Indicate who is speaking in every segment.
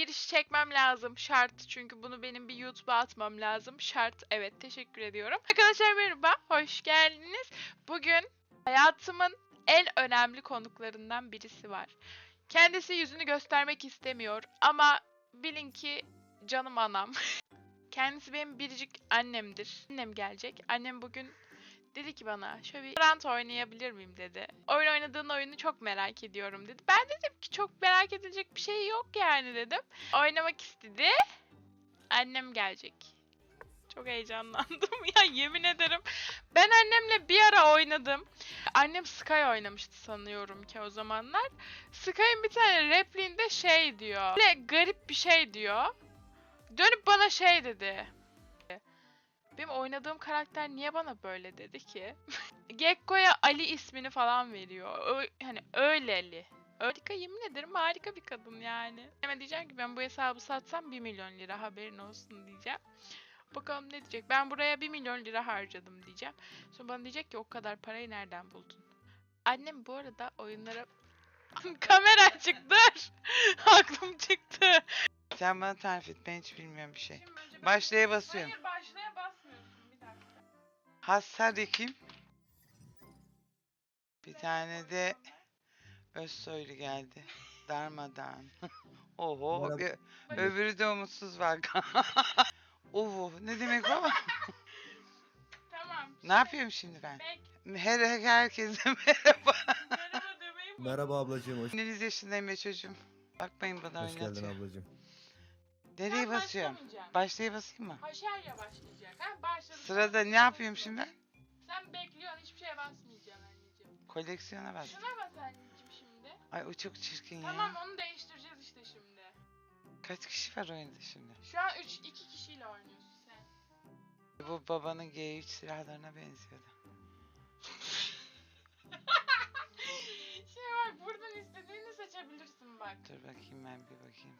Speaker 1: giriş çekmem lazım. Şart. Çünkü bunu benim bir YouTube'a atmam lazım. Şart. Evet, teşekkür ediyorum. Arkadaşlar merhaba. Hoş geldiniz. Bugün hayatımın en önemli konuklarından birisi var. Kendisi yüzünü göstermek istemiyor ama bilin ki canım anam. Kendisi benim biricik annemdir. Annem gelecek. Annem bugün dedi ki bana şöyle bir Valorant oynayabilir miyim dedi. Oyun oynadığın oyunu çok merak ediyorum dedi. Ben dedim ki çok merak edilecek bir şey yok yani dedim. Oynamak istedi. Annem gelecek. Çok heyecanlandım ya, yemin ederim. Ben annemle bir ara oynadım. Annem Sky oynamıştı sanıyorum ki o zamanlar. Sky'ın bir tane repliğinde şey diyor. Böyle garip bir şey diyor. Dönüp bana şey dedi. Benim oynadığım karakter niye bana böyle dedi ki? Gekko'ya Ali ismini falan veriyor. Hani öyleli. Harika, yemin ederim harika bir kadın yani. Hemen diyeceğim ki ben bu hesabı satsam 1 milyon lira haberin olsun diyeceğim. Bakalım ne diyecek. Ben buraya 1 milyon lira harcadım diyeceğim. Sonra bana diyecek ki o kadar parayı nereden buldun? Annem bu arada oyunlara... Kamera açık, dur. Aklım çıktı.
Speaker 2: Sen bana tarif et, ben hiç bilmiyorum bir şey.
Speaker 1: Şimdi önce ben-
Speaker 2: Başlaya basıyorum.
Speaker 1: Hayır, başlaya basmıyorsun, bir dakika.
Speaker 2: Hasar kim? Bir tane de Özsoylu geldi. Darmadağın. Oho,
Speaker 3: Merhaba.
Speaker 2: öbürü de umutsuz bak. Oho, ne demek o?
Speaker 1: Tamam.
Speaker 2: Ne yapıyorum şimdi ben?
Speaker 1: Bek.
Speaker 2: Herkese merhaba.
Speaker 1: Merhaba demeyi mi?
Speaker 3: Merhaba ablacığım, hoş,
Speaker 2: 11 yaşındayım ya çocuğum. Bakmayın bana
Speaker 3: hoş geldin
Speaker 2: oynatıyor.
Speaker 3: ablacığım.
Speaker 2: Nereye
Speaker 1: Ben
Speaker 2: basıyorum?
Speaker 1: başlamayacağım.
Speaker 2: Başlaya basayım mı?
Speaker 1: Haşerya başlayacak. Ha, başladı.
Speaker 2: Sırada ne yapıyorum şimdi ben?
Speaker 1: Sen bekliyorsun, hiçbir şeye basmayacaksın anneciğim.
Speaker 2: Koleksiyona bas.
Speaker 1: Şuna bas anneciğim şimdi.
Speaker 2: Ay o çok çirkin ya.
Speaker 1: Tamam, onu değiştireceğiz işte şimdi.
Speaker 2: Kaç kişi var oyunda şimdi?
Speaker 1: Şu an 2 kişiyle oynuyorsun sen.
Speaker 2: Bu babanın G3 silahlarına benziyordu.
Speaker 1: Şey var, buradan istediğini seçebilirsin bak.
Speaker 2: Dur bakayım, ben bir bakayım.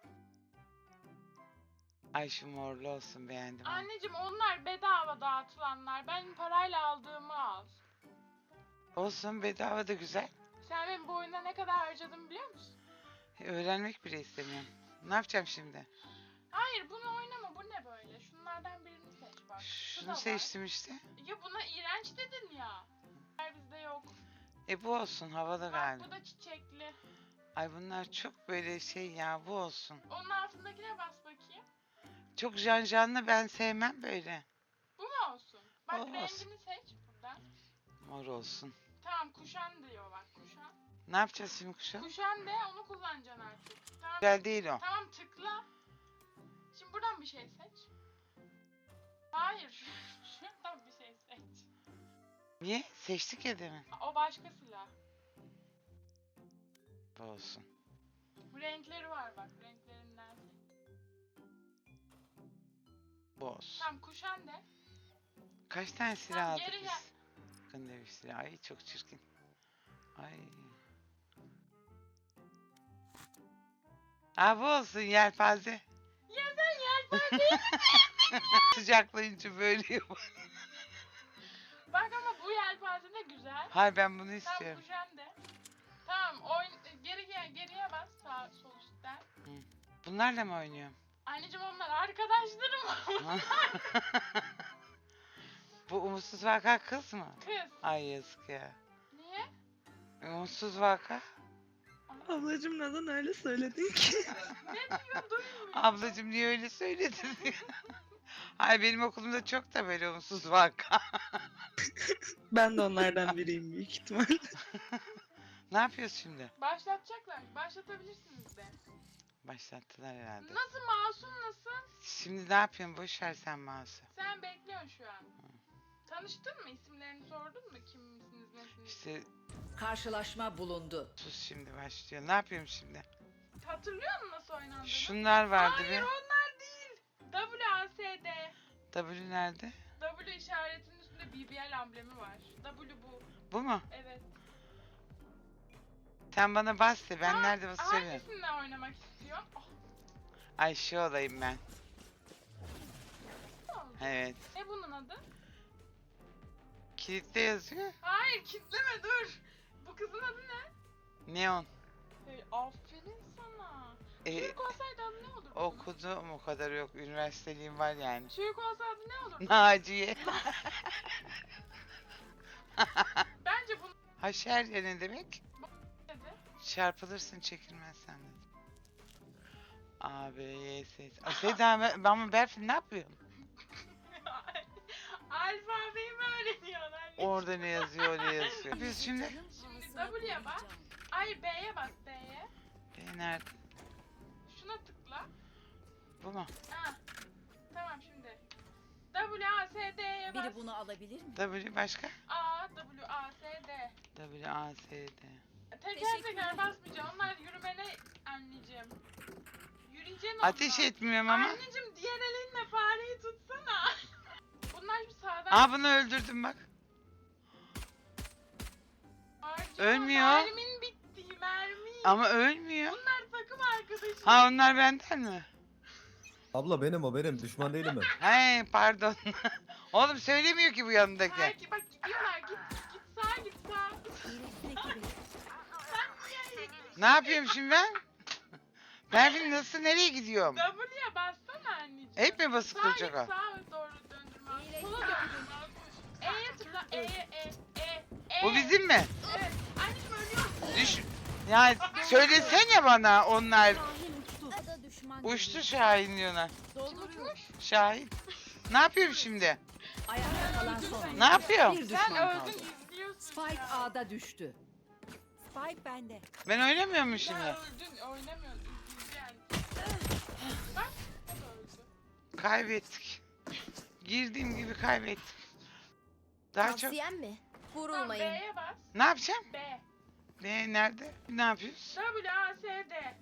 Speaker 2: Ay şu morlu olsun, beğendim. onu.
Speaker 1: Anneciğim, onlar bedava dağıtılanlar. Ben parayla aldığımı al.
Speaker 2: Olsun, bedava da güzel.
Speaker 1: Sen benim bu oyunda ne kadar harcadığımı biliyor musun?
Speaker 2: Öğrenmek bile istemiyorum. Ne yapacağım şimdi?
Speaker 1: Hayır, bunu oynama. Bu ne böyle? Şunlardan birini seç bak. Şu da
Speaker 2: Şunu
Speaker 1: var.
Speaker 2: seçtim işte.
Speaker 1: Ya buna iğrenç dedin ya. Bizde yok.
Speaker 2: Bu olsun, havalı
Speaker 1: Bak,
Speaker 2: galiba.
Speaker 1: bu da çiçekli.
Speaker 2: Ay bunlar çok böyle şey ya, bu olsun.
Speaker 1: Onun altındakine bas bakayım.
Speaker 2: Çok janjanlı, ben sevmem böyle.
Speaker 1: Bu mu olsun? Bak,
Speaker 2: O olsun.
Speaker 1: rengini seç buradan.
Speaker 2: Mor olsun.
Speaker 1: Tamam, kuşan diyor bak, kuşan.
Speaker 2: Ne yapacağız şimdi kuşa?
Speaker 1: Kuşan de, onu kullanacaksın artık. Tamam,
Speaker 2: Güzel değil o.
Speaker 1: tamam, tıkla. Şimdi buradan bir şey seç. Hayır. Şuradan bir şey seç.
Speaker 2: Niye? Seçtik ya demin.
Speaker 1: O başka silah.
Speaker 2: Bu olsun.
Speaker 1: Bu renkleri var bak, renklerinden seç.
Speaker 2: Bu olsun.
Speaker 1: Tamam, kuşan de.
Speaker 2: Kaç tane silah
Speaker 1: Tamam,
Speaker 2: aldık
Speaker 1: geri
Speaker 2: biz?
Speaker 1: gel.
Speaker 2: Bakın ne bir silah. Ay çok çirkin. Ay. Aa bu olsun, yelpaze.
Speaker 1: Ya sen yelpazeyi
Speaker 2: Sıcaklayınca böyle yapar.
Speaker 1: bak, ama bu yelpaze de güzel.
Speaker 2: Hayır, ben bunu
Speaker 1: Tamam,
Speaker 2: istiyorum.
Speaker 1: kuşan de. Tamam, geriye bas, sağ sol üstten.
Speaker 2: Bunlarla mı oynuyorum?
Speaker 1: Anneciğim, onlar arkadaşlarım.
Speaker 2: Bu umutsuz vaka kız mı?
Speaker 1: Kız.
Speaker 2: Ay yazık ya.
Speaker 1: Niye?
Speaker 2: Umutsuz vaka.
Speaker 4: Ablacım neden öyle söyledin ki?
Speaker 1: Ne diyor, duymuyor.
Speaker 2: Ablacım niye öyle söyledin diyor. Ay benim okulumda çok da böyle umutsuz vaka.
Speaker 4: Ben de onlardan biriyim büyük ihtimal.
Speaker 2: Ne yapıyoruz şimdi?
Speaker 1: Başlatacaklar. Başlatabilirsiniz de.
Speaker 2: Başlattılar herhalde.
Speaker 1: Nasıl, masum nasıl?
Speaker 2: Şimdi ne yapıyorsun? Boş ver sen mouse'u.
Speaker 1: Sen bekliyorsun şu an. Tanıştın mı? İsimlerini sordun mu? Kim misiniz, nesiniz?
Speaker 2: İşte
Speaker 5: Karşılaşma bulundu.
Speaker 2: sus, şimdi başlıyor. Ne yapıyorum şimdi?
Speaker 1: Hatırlıyor musun nasıl oynandığını?
Speaker 2: Şunlar vardı
Speaker 1: Hayır,
Speaker 2: bir.
Speaker 1: onlar değil. WASD.
Speaker 2: W nerede?
Speaker 1: W işaretinin üstünde BBL amblemi var. W bu.
Speaker 2: Bu mu?
Speaker 1: Evet.
Speaker 2: Sen bana bas de, ben
Speaker 1: Tamam,
Speaker 2: nerede basıyorum?
Speaker 1: Hangisinde oynamak istiyorsun? Oh,
Speaker 2: Ay şu olayım ben.
Speaker 1: ne oldu?
Speaker 2: Evet.
Speaker 1: Ne bunun adı?
Speaker 2: Kilitte yazıyor.
Speaker 1: Hayır, kitleme, dur. Bu kızın adı ne?
Speaker 2: Neon.
Speaker 1: Aferin sana. Çocuk olsaydı adı ne olurdu?
Speaker 2: Okudum, o kadar yok. Üniversiteliğim var yani.
Speaker 1: Çocuk olsa adı ne olurdu?
Speaker 2: Naciye.
Speaker 1: Bence bunu
Speaker 2: Haşer ya ne demek?
Speaker 1: dedi.
Speaker 2: Çarpılırsın çekilmezsen dedi. A, B, Y, S. Seda ben Berfin ne yapıyorum?
Speaker 1: Alfabeyi mi öğreniyorlar?
Speaker 2: Orada ne yazıyor, ne yazıyor. Biz şimdi...
Speaker 1: W'ye bas. Ay B'ye bas B'ye.
Speaker 2: B nerede?
Speaker 1: Şuna tıkla.
Speaker 2: Bu mu?
Speaker 1: Ha. Tamam şimdi. W A S D'ye bas.
Speaker 5: Biri bunu alabilir mi?
Speaker 2: W başka?
Speaker 1: A W A S D.
Speaker 2: W, A, S, D.
Speaker 1: Teker teker basmayacaksın. Onlar yürümene anneciğim. Yürüyeceksin onlar.
Speaker 2: Ateş etmiyorum ama.
Speaker 1: Anneciğim diğer elinle fareyi tutsana. Bunlar şu sağdan.
Speaker 2: Aa, bunu öldürdüm bak.
Speaker 1: Harcama,
Speaker 2: ölmüyor.
Speaker 1: Mermin bitti mermi.
Speaker 2: Ama ölmüyor.
Speaker 1: Bunlar takım arkadaşı.
Speaker 2: Ha, onlar benden mi?
Speaker 3: Abla benim o benim. Düşman değilim ben.
Speaker 2: He, pardon. Oğlum söylemiyor ki bu yanındaki.
Speaker 1: Belki bak gidiyorlar git sağa git sağa. Sen niye
Speaker 2: Ne yapıyorum şimdi ben? Berfin nasıl, nereye gidiyorum?
Speaker 1: W'ye bassana anneciğim.
Speaker 2: Hep mi basık
Speaker 1: Sağa
Speaker 2: duracak
Speaker 1: git
Speaker 2: o?
Speaker 1: sağa doğru döndürme. Sola döndürme. E'ye tıkla E.
Speaker 2: Bu bizim mi?
Speaker 1: Evet. Anneciğim ölüyorsun.
Speaker 2: Düş... Ya söylesene bana onlar.
Speaker 5: Ada düşman.
Speaker 2: Uçtu Şahin diyorlar.
Speaker 5: Dolduruyor.
Speaker 2: Şahin. Ne yapıyorum şimdi?
Speaker 5: Ayakta kalan son.
Speaker 2: Ne yapıyorum?
Speaker 5: Bir
Speaker 1: Sen
Speaker 5: düşman
Speaker 1: öldün
Speaker 5: kaldı.
Speaker 1: izliyorsun
Speaker 5: Spike
Speaker 1: ya.
Speaker 5: A'da düştü. Spike bende.
Speaker 2: Ben oynamıyor muyum
Speaker 1: Sen
Speaker 2: şimdi?
Speaker 1: öldün oynamıyorsun izleyeceksin. Bak o da öldü.
Speaker 2: Kaybettik. Girdiğim gibi kaybettim. Daha çok...
Speaker 6: Tavsiyem mi?
Speaker 1: Tamam
Speaker 6: Vurulmayın.
Speaker 1: B'ye bas.
Speaker 2: Ne yapacağım?
Speaker 1: B.
Speaker 2: Ne, nerede? Ne yapıyoruz?
Speaker 1: W A S D.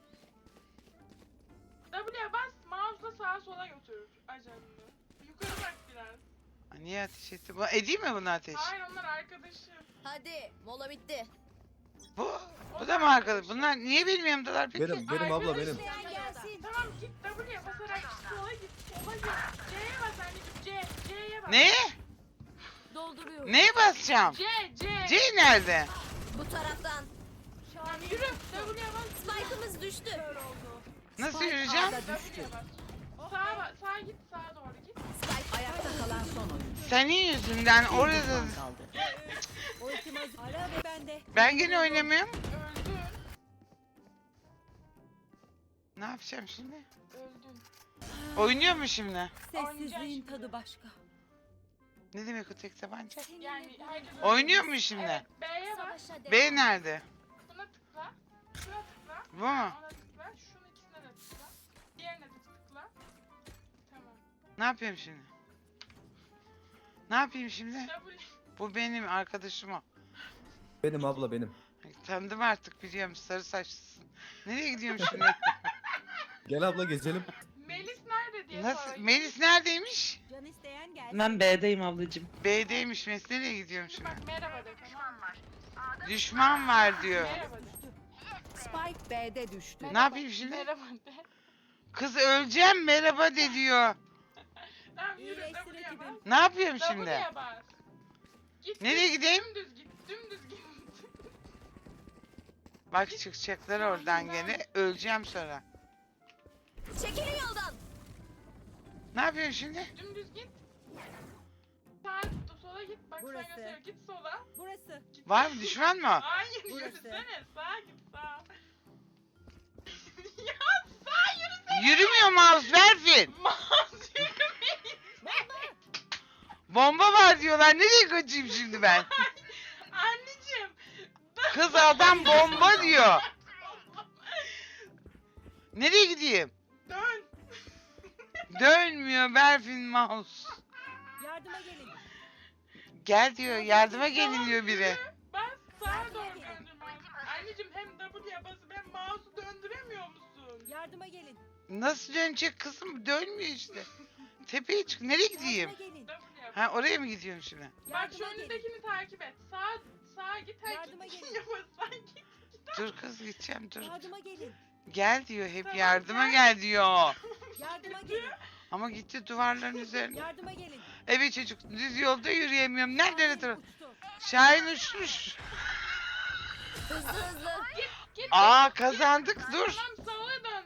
Speaker 1: W'ye bas mouse'la sağa sola götür ajanını. Yukarı bak biraz.
Speaker 2: Aa, niye ateş etti? Edeyim mi bunu ateş?
Speaker 1: Hayır onlar arkadaşım.
Speaker 6: Hadi mola bitti.
Speaker 2: Bu da mı arkadaş? Bunlar niye benim yanımdalar peki?
Speaker 3: Benim abla benim.
Speaker 6: Gelsin.
Speaker 1: Tamam git W'ye basarak sola git. Sola git. C'ye bas anneciğim. C'ye bas.
Speaker 2: Ne?
Speaker 6: Dolduruyorum.
Speaker 2: Neye basacağım?
Speaker 1: C.
Speaker 2: C nerede?
Speaker 6: Bu taraftan.
Speaker 1: Tamam yürü. W'ye bas.
Speaker 6: Spike'ımız düştü.
Speaker 2: Nasıl
Speaker 5: Spike
Speaker 2: yürüyeceğim?
Speaker 5: A'da düştü.
Speaker 1: W'ye bas. Sağa git. Sağa doğru git.
Speaker 6: Spike
Speaker 5: Ayakta kalan son oyuncu.
Speaker 2: Senin yüzünden
Speaker 5: Bir
Speaker 2: orada...
Speaker 5: düşman kaldı. Ara ve bende.
Speaker 2: Ben gene oynamıyorum.
Speaker 1: Öldün.
Speaker 2: Ne yapacağım şimdi?
Speaker 1: Öldün.
Speaker 2: Oynuyor mu şimdi?
Speaker 1: Sessizliğin
Speaker 5: tadı başka.
Speaker 2: Ne demek o tek tabanca?
Speaker 1: Yani herkes
Speaker 2: Oynuyor mu şimdi?
Speaker 1: Evet B'ye bas.
Speaker 6: savaşa
Speaker 2: B nerede?
Speaker 1: Buna tıkla. Şuna tıkla.
Speaker 2: Bu mu?
Speaker 1: Ona tıkla. Şunun ikisine de tıkla. Diğerine de tıkla. Tamam.
Speaker 2: Ne yapıyorum şimdi? Ne yapayım şimdi?
Speaker 1: W.
Speaker 2: Bu benim arkadaşım o.
Speaker 3: Benim abla benim.
Speaker 2: Tanıdım artık, biliyorum, sarı saçlısın. Nereye gidiyorum şimdi?
Speaker 3: Gel abla gezelim.
Speaker 1: Melis nerede diye
Speaker 2: Nasıl?
Speaker 1: sorayım.
Speaker 2: Melis neredeymiş?
Speaker 5: Can isteyen gelsin.
Speaker 4: Ben B'deyim ablacığım.
Speaker 2: B'deymiş Melis. Nereye gidiyorum
Speaker 1: Şimdi
Speaker 2: şimdi?
Speaker 1: bak merhaba de tamam mı?
Speaker 2: Düşman var diyor.
Speaker 1: Merhaba de.
Speaker 5: Spike B'de düştü.
Speaker 2: Ne yapayım şimdi?
Speaker 1: Merhaba de.
Speaker 2: Kız öleceğim, merhaba de diyor.
Speaker 1: Tamam yürü
Speaker 5: İyileştir
Speaker 1: W'ye
Speaker 5: ekibim.
Speaker 1: bas.
Speaker 2: Ne yapıyorum şimdi?
Speaker 1: W'ye bas. Git,
Speaker 2: Nereye
Speaker 1: git,
Speaker 2: gideyim?
Speaker 1: Dümdüz git. Dümdüz git.
Speaker 2: Bak çıkacaklar oradan gene. Öleceğim sonra.
Speaker 6: Çekilin yoldan.
Speaker 2: Ne yapıyorum şimdi?
Speaker 1: Dümdüz git. Sağa sola git. Bak
Speaker 5: Burası.
Speaker 1: sen gösteriyor. Git sola.
Speaker 5: Burası.
Speaker 1: Git.
Speaker 2: Var mı, düşman mı?
Speaker 1: Hayır
Speaker 5: Burası.
Speaker 1: yürüsene. Sağa git sağa. Ya sağa yürüsene.
Speaker 2: Yürümüyor mouse, Berfin.
Speaker 1: Mouse yürümeyin.
Speaker 2: Bomba var diyorlar. Nereye kaçayım şimdi ben?
Speaker 1: Anneciğim.
Speaker 2: Kız adam bomba diyor. Nereye gideyim?
Speaker 1: Dön.
Speaker 2: Dönmüyor Berfin mouse.
Speaker 5: Yardıma gelin.
Speaker 2: Gel diyor, yardıma gelin
Speaker 1: Tamam,
Speaker 2: diyor biri.
Speaker 1: yürü. Bas sağa doğru döndür mouse. Anneciğim hem W'ye basıp hem mouse'u döndüremiyor musun?
Speaker 5: Yardıma gelin.
Speaker 2: Nasıl dönecek kızım? Dönmüyor işte. Tepeye çık. Nereye gideyim?
Speaker 5: gelin.
Speaker 1: W'ye bas.
Speaker 2: Ha, oraya mı gidiyorum şimdi?
Speaker 1: Bak şu önündekini takip et. Sağa git.
Speaker 5: Yardıma
Speaker 1: Herkes
Speaker 5: gelin.
Speaker 1: yapasın git.
Speaker 2: Dur kız, gideceğim, dur.
Speaker 5: gelin.
Speaker 2: Gel diyor, hep
Speaker 1: Tamam,
Speaker 2: yardıma
Speaker 1: gel.
Speaker 2: gel diyor.
Speaker 5: Yardıma gelin.
Speaker 2: Ama gitti duvarların üzerine.
Speaker 5: Yardıma gelin.
Speaker 2: Evet çocuk, düz yolda yürüyemiyorum. Nerede
Speaker 5: Şahin
Speaker 2: taraf?
Speaker 5: uçtu.
Speaker 2: Şahin uçmuş.
Speaker 6: Hızlı hızlı.
Speaker 1: Git.
Speaker 2: Aa, kazandık, dur.
Speaker 1: Tamam sola dön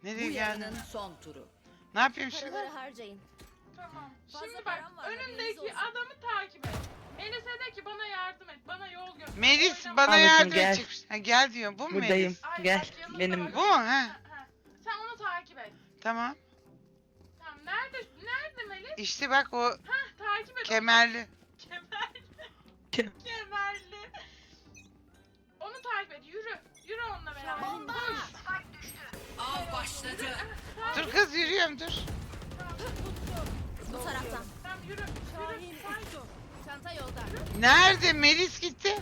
Speaker 2: Nereye
Speaker 5: Bu
Speaker 2: geldin?
Speaker 5: yarının son turu.
Speaker 2: Ne yapayım şimdi?
Speaker 6: Paraları harcayın.
Speaker 1: Tamam.
Speaker 6: Fazla
Speaker 1: Şimdi bak
Speaker 6: param var, haberiniz
Speaker 1: önündeki
Speaker 6: olsun.
Speaker 1: adamı takip et. Melis'e de ki bana yardım et. Bana yol göster.
Speaker 2: Melis
Speaker 1: Oynama.
Speaker 2: bana
Speaker 4: Ablacığım,
Speaker 2: yardım
Speaker 4: gel.
Speaker 2: edecek. Ha, gel diyor. Bu mu
Speaker 4: Buradayım.
Speaker 2: Melis?
Speaker 1: Ay,
Speaker 4: Gel.
Speaker 1: bak yanında
Speaker 4: Benim.
Speaker 1: bak.
Speaker 2: Bu mu? He.
Speaker 1: Ha. Sen onu takip et.
Speaker 2: Tamam.
Speaker 1: Tamam nerede Melis?
Speaker 2: İşte bak o
Speaker 1: Takip et.
Speaker 2: kemerli.
Speaker 1: Kemerli.
Speaker 4: Kem-
Speaker 1: Kemerli. Onu takip et. Yürü. Yürü onunla beraber.
Speaker 6: Bomba!
Speaker 5: Av başladı.
Speaker 2: Dur kız yürüyorum dur.
Speaker 6: Bu taraftan.
Speaker 1: Tamam yürü. Yürü. Sakin.
Speaker 6: Çanta yolda.
Speaker 2: Nerede? Melis gitti.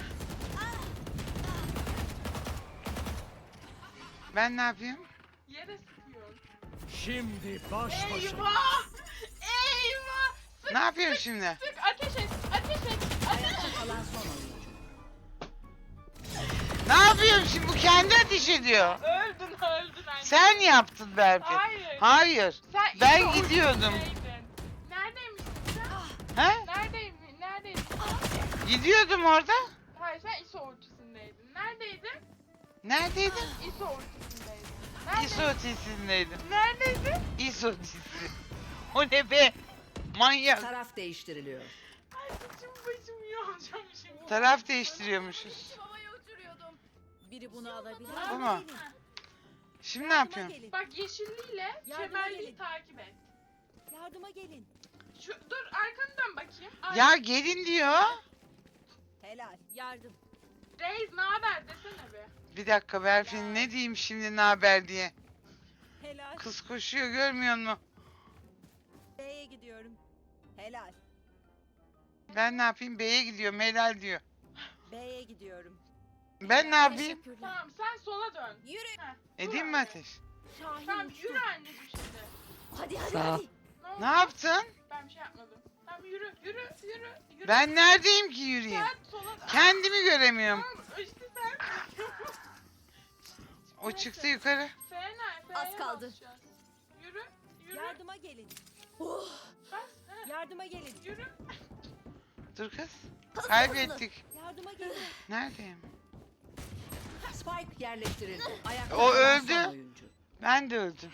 Speaker 2: Ben ne yapayım?
Speaker 1: Yere sıkıyor.
Speaker 7: Şimdi baş başa.
Speaker 1: Eyvah! Eyvah! Sık
Speaker 2: Ne yapıyorum şimdi?
Speaker 1: sık ateş et. Ateş et. Ateş et.
Speaker 5: Kalan son oyuncu.
Speaker 2: Ne yapıyorum şimdi? Bu kendi ateş ediyor.
Speaker 1: Öldün anne.
Speaker 2: Sen yaptın belki.
Speaker 1: Hayır.
Speaker 2: Hayır.
Speaker 1: Sen
Speaker 2: Ben
Speaker 1: ilk
Speaker 2: gidiyordum.
Speaker 1: ortasındaydın. Neredeymişsin sen?
Speaker 2: He?
Speaker 1: Neredeydin?
Speaker 2: Gidiyordum orada.
Speaker 1: Hayır sen ISO ortasındaydın. Neredeydin?
Speaker 2: Neredeydin?
Speaker 1: ISO ortasındaydın.
Speaker 2: İso ötesindeydim.
Speaker 1: Neredeydin?
Speaker 2: İso ötesi. O ne be? Manyak.
Speaker 5: Taraf değiştiriliyor.
Speaker 1: Ay saçım başım yolacağım şimdi.
Speaker 2: Taraf değiştiriyormuşuz.
Speaker 6: Havaya uçuruyordum.
Speaker 5: Biri bunu alabilir.
Speaker 2: Bu mu? Şimdi ne yapıyorum?
Speaker 5: Gelin.
Speaker 1: Bak yeşilliyle
Speaker 5: Yardıma
Speaker 1: kemerliği
Speaker 5: gelin.
Speaker 1: takip et.
Speaker 5: Yardıma gelin.
Speaker 1: Dur arkanı dön bakayım. Ay,
Speaker 2: Ya gelin diyor.
Speaker 5: Helal. Yardım.
Speaker 1: Reis ne haber desene be.
Speaker 2: Bir dakika Berfin ne diyeyim şimdi ne haber diye.
Speaker 5: Helal.
Speaker 2: Kız koşuyor görmüyor musun?
Speaker 5: B'ye gidiyorum. Helal.
Speaker 2: Ben ne yapayım? B'ye gidiyorum helal diyor.
Speaker 5: B'ye gidiyorum.
Speaker 2: Ben ne yapayım?
Speaker 6: Teşekkürler.
Speaker 1: Tamam sen sola dön.
Speaker 6: Yürü.
Speaker 2: Edeyim mi ateş?
Speaker 6: Şahin
Speaker 1: Tamam
Speaker 6: uçtu.
Speaker 1: yürü anneciğim şimdi.
Speaker 6: Hadi hadi
Speaker 4: Sağ ol.
Speaker 6: hadi.
Speaker 1: oldu?
Speaker 2: Ne yaptın?
Speaker 1: Ben bir şey yapmadım. Tamam yürü.
Speaker 2: Ben neredeyim ki yürüyeyim?
Speaker 1: Sen sola dön.
Speaker 2: Kendimi göremiyorum.
Speaker 1: Tamam işte sen.
Speaker 2: O çıktı yukarı.
Speaker 1: F'ye
Speaker 6: kaldı.
Speaker 1: basacağız. Yürü.
Speaker 5: Yardıma gelin.
Speaker 6: Oh,
Speaker 1: Bas. He,
Speaker 5: Yardıma gelin.
Speaker 1: yürü.
Speaker 2: Dur kız.
Speaker 6: hızlı
Speaker 2: Kaybettik.
Speaker 5: Yardıma gelin.
Speaker 2: Neredeyim?
Speaker 5: Spike yerleştirildi. Ayakta
Speaker 2: O
Speaker 5: kalan
Speaker 2: öldü.
Speaker 5: son oyuncu.
Speaker 2: Ben de öldüm.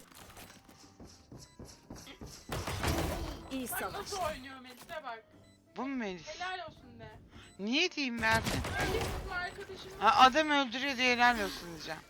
Speaker 5: İyi
Speaker 1: Bak
Speaker 5: savaş.
Speaker 1: nasıl oynuyor Melis'e bak.
Speaker 2: Bu mu Melis?
Speaker 1: Helal olsun de.
Speaker 2: Niye diyeyim Berfin?
Speaker 1: Öyle kızım arkadaşım.
Speaker 2: Ha, adam öldürüyor diye helal olsun diyeceğim.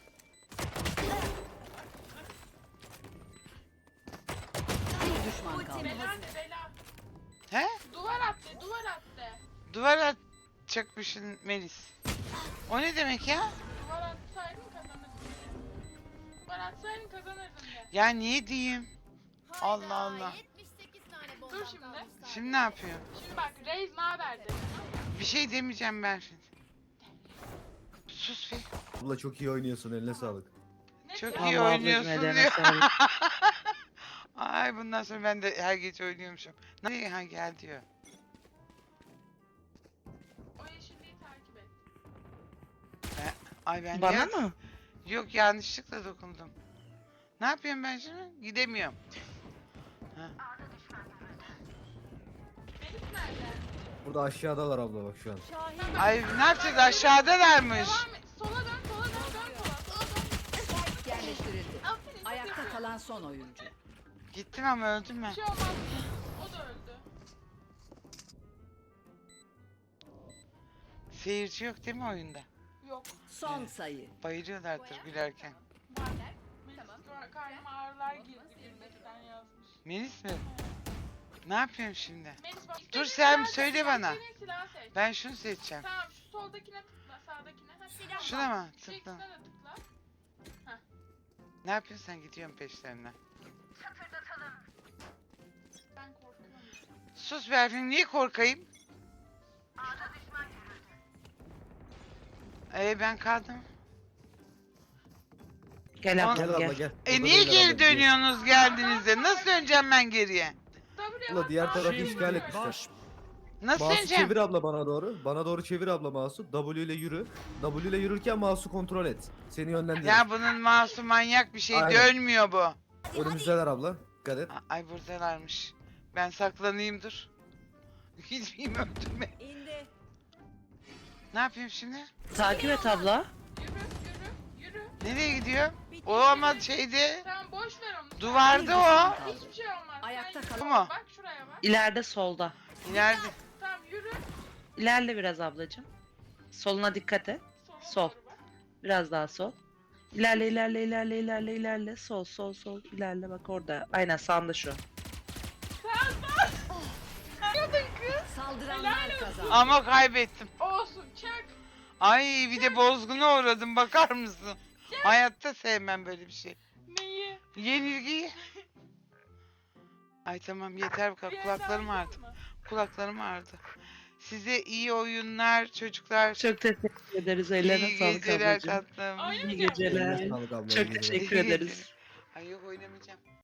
Speaker 5: Bir düşman kaldı.
Speaker 1: Bela de bela.
Speaker 2: He?
Speaker 1: Duvar at de duvar at de.
Speaker 2: Duvar atacakmışsın Melis. O ne demek ya?
Speaker 1: Duvar atsaydın kazanırdın de. Duvar atsaydın kazanırdın de.
Speaker 2: Ya niye diyeyim? Allah Allah.
Speaker 6: 78 tane bomba
Speaker 1: Dur şimdi.
Speaker 2: Şimdi ne yapıyor?
Speaker 1: Şimdi bak Reis ne haber de.
Speaker 2: Bir şey demeyeceğim Berfin. Sus bir.
Speaker 3: Abla çok iyi oynuyorsun eline sağlık.
Speaker 1: Ne
Speaker 2: Çok
Speaker 1: diyor?
Speaker 2: iyi
Speaker 4: Vallahi
Speaker 2: oynuyorsun
Speaker 4: ablacığım, eline
Speaker 2: diyor.
Speaker 4: sağlık.
Speaker 2: Ay bundan sonra ben de her gece oynuyormuşum. Nereye ha gel diyor.
Speaker 1: O yeşilliği takip et.
Speaker 2: Ay ben
Speaker 4: Bana
Speaker 2: ya-
Speaker 4: mı?
Speaker 2: Yok yanlışlıkla dokundum. Ne yapıyorum ben şimdi? Gidemiyorum.
Speaker 1: Melis nerede?
Speaker 3: Burada aşağıdalar abla bak şu an.
Speaker 5: Şahin.
Speaker 2: Ay ne yapacağız aşağıdalarmış.
Speaker 1: Devam et. Sola dön sola dön sola dön.
Speaker 5: Spike yerleştirildi.
Speaker 1: Aferin.
Speaker 5: Ayakta kalan son oyuncu.
Speaker 2: Gittim ama öldüm ben.
Speaker 1: Bir şey olmaz. O da öldü.
Speaker 2: Seyirci yok değil mi oyunda?
Speaker 1: Yok.
Speaker 5: Son sayı.
Speaker 2: Bayılıyorlardır gülerken.
Speaker 1: Var. Melis karnıma ağrılar girdi gülmekten yazmış.
Speaker 2: Melis mi? Ne yapıyorum şimdi?
Speaker 1: Melis bak.
Speaker 2: Dur
Speaker 1: istediğin
Speaker 2: sen
Speaker 1: silahı
Speaker 2: söyle
Speaker 1: seç,
Speaker 2: bana.
Speaker 1: istediğin silahı seç.
Speaker 2: Ben şunu seçeceğim.
Speaker 1: Tamam şu soldakine tıkla sağdakine. Ha, silah
Speaker 2: Şuna
Speaker 1: var.
Speaker 2: mı?
Speaker 1: Şu
Speaker 2: Tıkla.
Speaker 1: ikisine de tıkla.
Speaker 2: Ne yapıyorsun sen gidiyorum peşlerine.
Speaker 1: Ben korkuyorum.
Speaker 2: Sus Berfin niye korkayım? Ben kaldım.
Speaker 4: Gel abla
Speaker 3: Gel abla
Speaker 4: gel.
Speaker 3: gel.
Speaker 2: E
Speaker 3: Burada
Speaker 2: niye
Speaker 3: değil abla,
Speaker 2: geri dönüyorsunuz geldiğinizde? Nasıl döneceğim ben geriye?
Speaker 1: W'ye
Speaker 3: Abla diğer
Speaker 1: bas,
Speaker 3: tarafı
Speaker 1: W'ye
Speaker 3: işgal
Speaker 1: bas.
Speaker 3: etmişler.
Speaker 7: Baş
Speaker 2: Nasıl
Speaker 3: Mouse'u
Speaker 2: döneceğim?
Speaker 3: çevir abla bana doğru. Bana doğru çevir abla mouse'u. W ile yürü. W ile yürürken mouse'u kontrol et. Seni yönlendir.
Speaker 2: Ya bunun mouse'u manyak bir şey
Speaker 3: Aynen.
Speaker 2: dönmüyor bu.
Speaker 3: Önümüzdeler abla. Dikkat et.
Speaker 2: Ay buradalarmış. Ben saklanayım dur. Gitmeyeyim öldürme.
Speaker 5: İndi.
Speaker 2: Ne yapayım şimdi?
Speaker 4: Takip et abla.
Speaker 1: Yürü yürü yürü.
Speaker 2: Nereye gidiyor? O ama şeyde
Speaker 1: Tamam boş ver onu.
Speaker 2: duvarda o.
Speaker 1: Hiçbir şey olmaz.
Speaker 5: Ayakta
Speaker 1: Sen
Speaker 5: kal-
Speaker 2: Bu mu?
Speaker 1: Bak şuraya bak.
Speaker 4: İleride solda.
Speaker 2: İleride.
Speaker 1: Tamam yürü.
Speaker 4: İlerle biraz ablacığım. Soluna dikkat et.
Speaker 1: Sola
Speaker 4: Sol.
Speaker 1: doğru bak.
Speaker 4: Biraz daha sol. İlerle ilerle ilerle ilerle ilerle. Sol sol sol ilerle bak orada. Aynen sağında şu.
Speaker 5: Saldıranlar kazandı.
Speaker 2: Ama kaybettim.
Speaker 1: Olsun çak.
Speaker 2: Ay bir de bozguna uğradım bakar mısın? Hayatta sevmem böyle bir şey.
Speaker 1: Neyi?
Speaker 2: Yenilgiyi. Ay tamam yeter
Speaker 1: Bir yer
Speaker 2: kulaklarım
Speaker 1: daha
Speaker 2: ağrıdı.
Speaker 1: yapalım mı?
Speaker 2: Kulaklarım ağrıdı. Size iyi oyunlar çocuklar.
Speaker 4: Çok teşekkür ederiz. Ellerine
Speaker 2: iyi
Speaker 4: sağlık
Speaker 2: geceler
Speaker 4: ablacığım.
Speaker 2: tatlım.
Speaker 1: Ay,
Speaker 4: İyi
Speaker 1: Geceler.
Speaker 4: geceler.
Speaker 3: Eline sağlık abla, iyi
Speaker 4: Çok
Speaker 3: geceler.
Speaker 4: teşekkür
Speaker 2: İyi
Speaker 4: ederiz.
Speaker 2: geceler. Ay yok oynamayacağım.